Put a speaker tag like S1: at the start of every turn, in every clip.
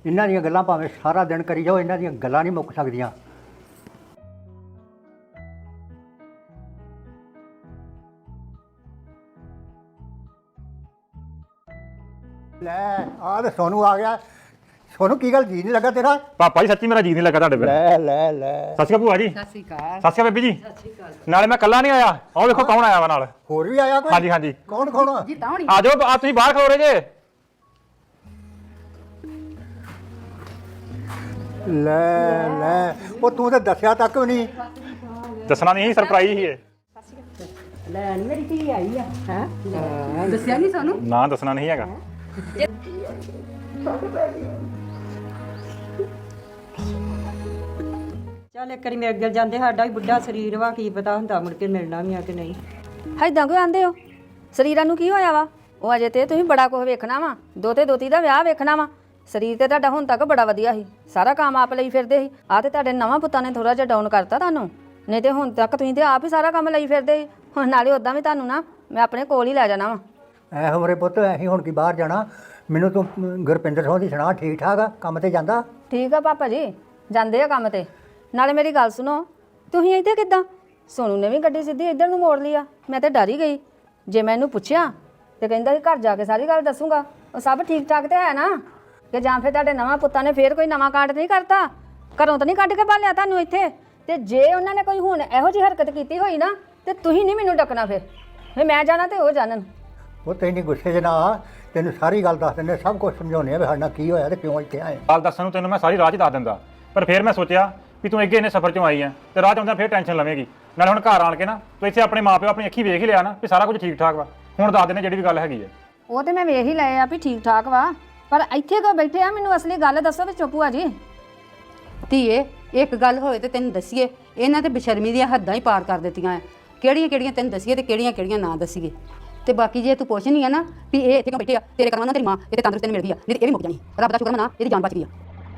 S1: ਇਹਨਾਂ ਦੀਆਂ ਗੱਲਾਂ ਭਾਵੇਂ ਸਾਰਾ ਦਿਨ ਕਰੀ ਜਾਓ, ਇਹਨਾਂ ਦੀਆਂ ਗੱਲਾਂ ਨਹੀਂ ਮੁੱਕ ਸਕਦੀਆਂ। ਲੈ ਆ ਤੇ ਸੋਨੂੰ ਆ ਗਿਆ। ਸੋਨੂੰ ਕੀ ਗੱਲ ਜੀ ਨਹੀਂ ਲੱਗਾ ਤੇਰਾ?
S2: ਪਾਪਾ ਜੀ ਸੱਚੀ ਮੇਰਾ ਜੀ ਨਹੀਂ ਲੱਗਾ ਤੁਹਾਡੇ ਬਿਨਾਂ।
S1: ਲੈ
S2: ਸਤਿ ਸ਼੍ਰੀ ਅਕਾਲ ਭੂਆ ਜੀ।
S3: ਸਤਿ ਸ਼੍ਰੀ ਅਕਾਲ।
S2: ਸਤਿ ਸ਼੍ਰੀ ਅਕਾਲ ਬੀਬੀ ਜੀ।
S3: ਸਤਿ ਸ਼੍ਰੀ ਅਕਾਲ।
S2: ਨਾਲੇ ਮੈਂ ਇਕੱਲਾ ਨਹੀਂ ਆਇਆ, ਆਹ ਵੇਖੋ ਕੌਣ ਆਇਆ ਵਾ ਨਾਲ।
S1: ਹੋਰ ਵੀ ਆਇਆ ਕੋਈ?
S2: ਹਾਂਜੀ ਹਾਂਜੀ।
S1: ਕੌਣ
S3: ਜੀ ਤਾਉਣੀ।
S2: ਆ ਜਾਓ, ਆ ਤੁਸੀਂ ਬਾਹਰ ਖਲੋ ਰਹੇ ਜੇ।
S1: ਲੈ ਉਹ ਤੂੰ ਤਾਂ ਦੱਸਿਆ ਤੱਕ ਵੀ ਨਹੀਂ।
S2: ਦੱਸਣਾ ਨਹੀਂ ਸੀ, ਸਰਪ੍ਰਾਈਜ਼ ਸੀ ਇਹ।
S3: ਲੈ ਮੇਰੀ ਧੀ ਆਈ ਆ ਹੈ ਦੱਸਿਆ ਨਹੀਂ ਸਾਨੂੰ।
S2: ਨਾ ਦੱਸਣਾ ਨਹੀਂ ਹੈਗਾ।
S4: ਚੱਲ ਇੱਕ ਵਾਰੀ ਮਿਲ ਗਿਲ ਜਾਂਦੇ, ਸਾਡਾ ਵੀ ਬੁੱਢਾ ਸਰੀਰ ਵਾ, ਕੀ ਪਤਾ ਹੁੰਦਾ ਮੁੜ ਕੇ ਮਿਲਣਾ ਵੀ ਆ ਕਿ ਨਹੀਂ।
S5: ਏਦਾਂ ਕਿਉਂ ਆਂਦੇ ਹੋ? ਸਰੀਰਾਂ ਨੂੰ ਕੀ ਹੋਇਆ ਵਾ? ਉਹ ਅਜੇ ਤੇ ਤੁਸੀਂ ਬੜਾ ਕੁਝ ਵੇਖਣਾ ਵਾ, ਦੋਤੇ ਦੋਤੀ ਦਾ ਵਿਆਹ ਵੇਖਣਾ ਵਾ। ਸਰੀਰ ਤੇ ਤੁਹਾਡਾ ਹੁਣ ਤੱਕ ਬੜਾ ਵਧੀਆ ਸੀ, ਸਾਰਾ ਕੰਮ ਆਪ ਲਈ ਫਿਰਦੇ ਸੀ। ਆ ਤੇ ਤੁਹਾਡੇ ਨਵਾਂ ਪੁੱਤਾਂ ਨੇ ਥੋੜਾ ਜਿਹਾ ਡਾਊਨ ਕਰਤਾ ਤੁਹਾਨੂੰ, ਨਹੀਂ ਤੇ ਹੁਣ ਤੱਕ ਤੁਸੀਂ ਤੇ ਆਪ ਹੀ ਸਾਰਾ ਕੰਮ ਲਈ ਫਿਰਦੇ ਸੀ। ਹੁਣ ਨਾਲੇ ਉਦਾਂ ਵੀ ਤੁਹਾਨੂੰ ਨਾ ਮੈਂ ਆਪਣੇ ਕੋਲ ਹੀ ਲੈ ਜਾਣਾ ਵਾ।
S1: ਐ ਹਮਰੇ ਪੁੱਤ ਅਸੀਂ ਹੁਣ ਕੀ ਬਾਹਰ ਜਾਣਾ? ਮੈਨੂੰ ਤੂੰ ਗੁਰਪਿੰਦਰ ਸਿੰਘ ਦੀ ਸੁਣਾ, ਠੀਕ ਠਾਕ ਆ? ਕੰਮ ਤੇ ਜਾਂਦਾ?
S5: ਠੀਕ ਆ ਪਾਪਾ ਜੀ, ਜਾਂਦੇ ਆ ਕੰਮ ਤੇ। ਨਾਲੇ ਮੇਰੀ ਗੱਲ ਸੁਣੋ, ਤੁਸੀਂ ਇੱਥੇ ਕਿੱਦਾਂ? ਸੋਨੂ ਨੇ ਵੀ ਗੱਡੀ ਸਿੱਧੀ ਇੱਧਰ ਨੂੰ ਮੋੜ ਲਈ ਆ। ਮੈਂ ਤਾਂ ਡਰ ਹੀ ਗਈ। ਜੇ ਮੈਂ ਇਹਨੂੰ ਪੁੱਛਿਆ ਤੇ ਕਹਿੰਦਾ ਕਿ ਘਰ ਜਾ ਕੇ ਸਾਰੀ ਗੱਲ ਦੱਸੂਗਾ। ਉਹ ਸਭ ਠੀਕ ਠਾਕ ਤੇ ਹੈ ਨਾ? ਕਿ ਜਾਂ ਫਿਰ ਤੁਹਾਡੇ ਨਵਾਂ ਪੁੱਤਾਂ ਨੇ ਫੇਰ ਕੋਈ ਨਵਾਂ ਕਾਂਡ ਨਹੀਂ ਕਰਤਾ? ਘਰੋਂ ਤਾਂ ਨਹੀਂ ਕੱਢ ਕੇ ਭਾਲਿਆ ਤੁਹਾਨੂੰ ਇੱਥੇ? ਤੇ ਜੇ ਉਹਨਾਂ ਨੇ ਕੋਈ ਹੁਣ ਇਹੋ ਜਿਹੀ ਹਰਕਤ ਕੀਤੀ ਹੋਈ ਨਾ ਤੇ ਤੁਸੀਂ ਨਹੀਂ ਮੈਨੂੰ ਡੱਕਣਾ। ਫਿਰ ਮੈਂ ਜਾਣਾ ਤੇ ਉਹ ਜਾਣਨ।
S1: ਉਹ ਤੈਨੂੰ ਗੁੱਸੇ 'ਚ ਨਾ ਆ, ਤੈਨੂੰ ਸਾਰੀ ਗੱਲ ਦੱਸ ਦਿੰਦੇ, ਸਭ ਕੁਝ ਸਮਝਾਉਂਦੇ ਆ ਵੀ ਸਾਡੇ ਨਾਲ ਕੀ ਹੋਇਆ ਤੇ ਕਿਉਂ ਇੱਥੇ ਆਏ।
S2: ਗੱਲ ਦੱਸਣ ਨੂੰ ਤੈਨੂੰ ਮੈਂ ਸਾਰੀ ਰਾਹ 'ਚ ਦੱਸ ਦਿੰਦਾ, ਪਰ ਫਿਰ ਮੈਂ ਸੋਚਿਆ ਵੀ ਤੂੰ ਅੱਗੇ ਇੰਨੇ ਸਫ਼ਰ 'ਚੋਂ ਆਈ ਆ ਤੇ ਰਾਹ 'ਚ ਆਉਂਦਾ ਫਿਰ ਟੈਨਸ਼ਨ ਲਵੇਂਗੀ। ਨਾਲੇ ਹੁਣ ਘਰ ਆਣ ਕੇ ਨਾ ਤੂੰ ਇੱਥੇ ਆਪਣੇ ਮਾਪਿਓ ਆਪਣੀ ਅੱਖੀ ਵੇਖ ਹੀ ਲਿਆ ਨਾ ਵੀ ਸਾਰਾ ਕੁਝ ਠੀਕ ਠਾਕ ਵਾ। ਹੁਣ ਦੱਸ ਦਿੰਦੇ ਜਿਹੜੀ ਵੀ ਗੱਲ ਹੈਗੀ ਆ।
S5: ਉਹ ਤੇ ਮੈਂ ਵੇਖ ਹੀ ਲਏ ਆ ਵੀ ਠੀਕ ਠਾਕ ਵਾ, ਪਰ ਇੱਥੇ ਕਿਉਂ ਬੈਠੇ ਆ? ਮੈਨੂੰ ਅਸਲੀ ਗੱਲ ਦੱਸੋ ਵੀ ਚੁੱਪੂ ਆ ਜੀ।
S3: ਧੀਏ ਇੱਕ ਗੱਲ ਹੋਏ ਤੇ ਤੈਨੂੰ ਦੱਸੀਏ, ਇਹਨਾਂ ਤੇ ਬੇਸ਼ਰਮੀ ਦੀਆਂ ਹੱਦਾਂ ਹੀ ਪਾਰ ਕਰ ਦਿੱਤੀਆਂ ਆ। ਕਿਹੜੀਆਂ ਕਿਹੜੀਆਂ ਤੈਨੂੰ ਦੱਸੀਏ ਤੇ ਕਿਹੜੀਆਂ ਕਿਹੜੀਆਂ ਨਾ ਦੱਸੀਏ। ਤੇ ਬਾਕੀ ਜੇ ਤੂੰ ਪੁੱਛਣੀ ਆ ਨਾ ਵੀ ਇਹ ਇੱਥੇ ਕਿਉਂ ਬੈਠੇ ਆ, ਤੇਰੇ ਕਰਮਾਂ ਨਾਲ ਤੇਰੀ ਮਾਂ ਇੱਥੇ ਤੰਦਰੁਸਤ ਤੈਨੂੰ ਮਿਲ ਗਈ ਆ, ਨਹੀਂ ਤੇ ਇਹ ਵੀ ਮੁੱਕ ਜਾਣੀ। ਰੱਬ ਦਾ ਸ਼ੁਕਰ ਮਨਾ, ਇਹਦੀ ਜਾਨ ਬਚ ਗਈ ਆ।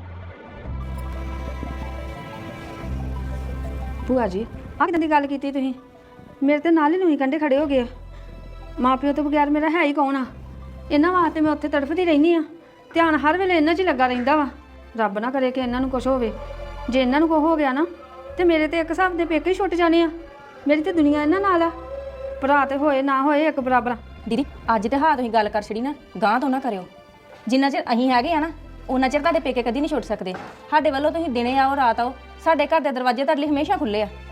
S5: ਭੂਆ ਜੀ ਆਹ ਕਿਦਾਂ ਦੀ ਗੱਲ ਕੀਤੀ ਤੁਸੀਂ? ਮੇਰੇ ਤੇ ਨਾਲ ਹੀ ਲੂਈ ਕੰਢੇ ਖੜੇ ਹੋ ਗਏ ਆ। ਮਾਂ ਪਿਓ ਤੋਂ ਬਗੈਰ ਮੇਰਾ ਹੈ ਹੀ ਕੌਣ ਆ? ਇਹਨਾਂ ਵਾਸਤੇ ਮੈਂ ਉੱਥੇ ਤੜਫਦੀ ਰਹਿੰਦੀ ਆ। ਧਿਆਨ ਹਰ ਵੇਲੇ ਇਹਨਾਂ 'ਚ ਹੀ ਲੱਗਾ ਰਹਿੰਦਾ ਵਾ। ਰੱਬ ਨਾ ਕਰੇ ਕਿ ਇਹਨਾਂ ਨੂੰ ਕੁਝ ਹੋਵੇ। ਜੇ ਇਹਨਾਂ ਨੂੰ ਕੁਝ ਹੋ ਗਿਆ ਨਾ ਤੇ ਮੇਰੇ ਤੇ ਇੱਕ ਹਿਸਾਬ ਦੇ ਪੇਕੇ ਹੀ ਛੁੱਟ ਜਾਣੇ ਆ। ਮੇਰੀ ਤੇ ਦੁਨੀਆ ਇਹਨਾਂ ਨਾਲ ਆ। ਭਰਾ ਤੇ ਹੋਏ ਨਾ ਹੋਏ ਇੱਕ ਬਰਾਬਰ।
S6: ਦੀਦੀ ਅੱਜ ਤੇ ਹਾਂ ਤੁਸੀਂ ਗੱਲ ਕਰ ਛੜੀ ਨਾ, ਗਾਂ ਤੋਂ ਨਾ ਕਰਿਓ। ਜਿੰਨਾ ਚਿਰ ਅਸੀਂ ਹੈਗੇ ਆ ਨਾ ਉਹਨਾਂ ਚਿਰ ਤੁਹਾਡੇ ਪੇਕੇ ਕਦੀ ਨਹੀਂ ਛੁੱਟ ਸਕਦੇ। ਸਾਡੇ ਵੱਲੋਂ ਤੁਸੀਂ ਦਿਨੇ ਆਓ ਰਾਤ ਆਓ, ਸਾਡੇ ਘਰ ਦੇ ਦਰਵਾਜ਼ੇ ਤੁਹਾਡੇ ਲਈ ਹਮੇਸ਼ਾ ਖੁੱਲੇ ਆ।